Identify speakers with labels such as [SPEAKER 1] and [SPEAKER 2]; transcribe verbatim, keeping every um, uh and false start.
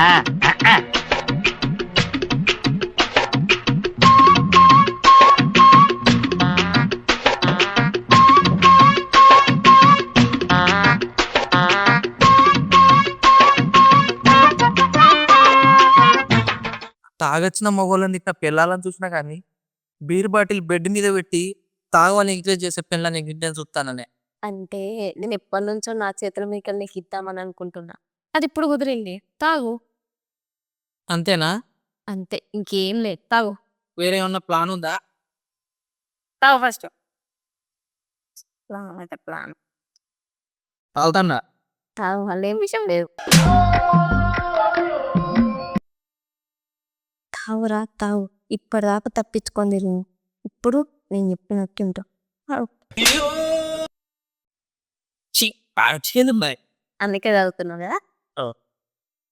[SPEAKER 1] తాగొచ్చిన మగోళ్ళని ఇట్లా పెళ్ళాలని చూసినా కానీ బీర్ బాటిల్ బెడ్ మీద పెట్టి తాగని ఎంకరేజ్ చేసే పిల్లని నేను చూస్తాననే.
[SPEAKER 2] అంటే నేను ఎప్పటి నుంచో నా చేతుల మీకల్ నీకు ఇద్దామని అనుకుంటున్నా. అది ఇప్పుడు కుదిరింది. తాగు.
[SPEAKER 1] అంతేనా?
[SPEAKER 2] అంతే. ఇంకేం లేదు. తాగు.
[SPEAKER 1] వేరే ఏమన్నా ప్లాన్ ఉందా?
[SPEAKER 2] తాగు ఫస్ట్. ప్లాన్ అయితే ప్లాన్.
[SPEAKER 1] తాగుతాన్నా.
[SPEAKER 2] తాగు. వాళ్ళేం విషయం లేదు. తాగురా తాగు. ఇప్పటిదాకా తప్పించుకొని తిరుగు. ఇప్పుడు నేను చెప్పినట్టు ఉంటావు.
[SPEAKER 1] ఛీ, పాడు చేదు బాయ్.
[SPEAKER 2] అందుకే తాగుతున్నావు కదా?